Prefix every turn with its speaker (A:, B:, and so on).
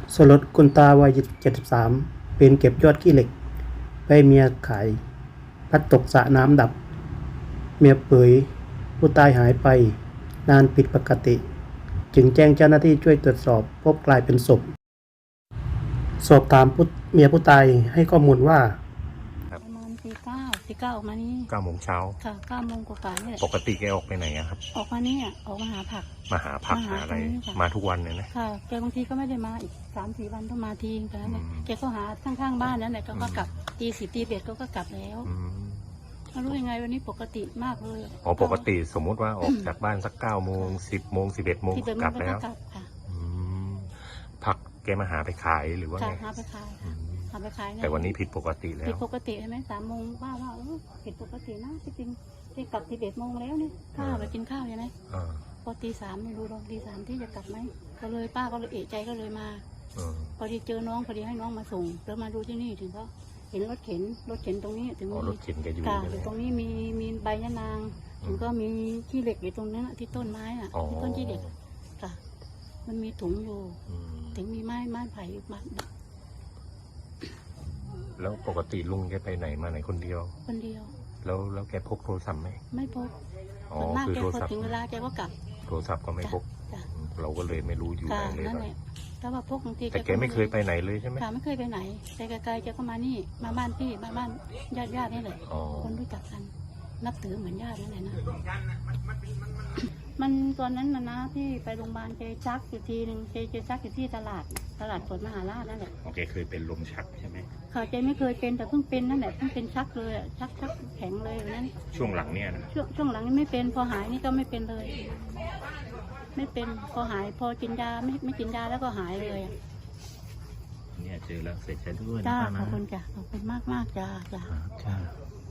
A: สลดคุณตาวัย73ปีนเก็บยอดขี้เหล็กไปให้เมียขายพลัดตกสระน้ำดับเมียเผยผู้ตายหายไปนานผิดปกติจึงแจ้งเจ้าหน้าที่ช่วยตรวจสอบพบกลายเป็นศพสอบถามเมียผู้ตายให้ข้อมูลว่า
B: ประมาณตีเก้าออกมานี่
C: 9 โมงเช้า
B: ค่ะ9 โมงกว่าๆนี่แหละ
C: ปกติแกออกไปไหนอะครับ
B: ออกมาเนี่ยออกมาหาผัก
C: มาหาผักหาอะไร
B: ตรงนี้ค่ะ
C: มาทุกวันเลยนะ
B: ค่ะแกบางทีก็ไม่ได้มาอีก3-4 วันต้องมาทีนึงแต่นั้นเนี่ย
C: อืม
B: แกก็หาข้างๆบ้านนั่นแหละก็กลับตี 10ตี 11ก็กลับแล้ว
C: อืม
B: ไม่รู้ยังไงวันนี้ปกติมากเลย
C: อ๋อปกติสมมุติว่าออกจากบ้านสัก9 โมง 10 โมง 11 โมง
B: ที่เดิม
C: กลับ
B: ก็
C: แล้ว
B: กลับค่ะ
C: อืมผักแกมาหาไปขายหรือว่า
B: ค่ะ
C: ไง
B: หาไปขาย
C: อื
B: ค่ะ
C: ม
B: หาไปขายเย
C: แต่วันนี้ผิดปกติแล้
B: ผิด
C: ว
B: ปกติใช่ไหม3 โมงว่าผิดปกตินะที่จริงที่กลับ11 โมงแล้วเนี่ยข้าวไปกินข้าวใช่ไหม
C: อ่า
B: พอตี 3ไม่รู้ลองตี 3ที่จะกลับไหมก็เลยป้าก็เลยเอะใจก็เลยมา
C: อืม
B: พอดีเจอน้องพอดีให้น้องมาส่งแล้วมาดูที่นี่ถึงก็เห็นรถเข็นตรงนี้ถึง
C: อ๋อ
B: มี
C: รถเข็นแกอยู่
B: ค่ะ
C: ใช่
B: อ
C: ไหม
B: ยู่ตรงนี้มีใบยะนาง ถึงก็มีขี้เหล็กอยู่ตรงนั้นน่ะที่ต้นไม้น่ะ
C: อ๋อ
B: ที่ต้นขี้เหล็กค่ะ มันมีถุงอยู่
C: อืม
B: ถึงมีไม้ไผ่อยู่มา
C: แล้วปกติลุงแกไปไหนมาไหนคนเดียว
B: คนเดียว
C: แล้วแกพกโทรศัพท์ไหม
B: ไม่พบ
C: อ๋อ
B: ส่วนมาก
C: คือ
B: แก
C: โทร
B: พอ
C: ศัพท์
B: ถึงเวลาแกก็กลับ
C: โทรศัพท์ก็ไม่พก
B: จ้ะ
C: อืมเราก็เลยไม่รู้อยู่
B: ค่ะ
C: ไหนเลย
B: นั่น
C: ตอน
B: แหละแต่ว่าพกบางที
C: แต่แกไม่เคยไปไหนเลยใช่ไหม
B: ค่ะไม่เคยไปไหนแต่ไกลๆแกก็มานี่มาบ้านพี่มาบ้านญาตินี่แหละ
C: อ๋อ
B: คนรู้จักกัน นับถือเหมือนญาตินั่นแหละนะ มันตอนนั้นนะที่ไปโรงพยาบาลเจชักอยู่ทีหนึ่งเจชักอยู่ที่ตลาดสดมหาราชนั่นแหละ
C: โอเคเคยเป็นลมชักใช่ไหม
B: ค่ะเจไม่เคยเป็นแต่เพิ่งเป็นนั่นแหละเพิ่งเป็นชักเลยอะชักแข็งเลยวันนั้น
C: ช่วงหลังเนี่ยนะ
B: ช่วงหลังนี่ไม่เป็นพอหายนี่ก็ไม่เป็นเลย ไม่เป็นพอหายพอกินยาไม่กินยาแล้วก็หายเลยอะ
C: เนี่ยเจอแล้วเสียใจด้วยนะ
B: จ้า
C: ป้า
B: ข
C: นะ
B: อบคุณจ้ะขอบคุณมากจ้า
C: จ้า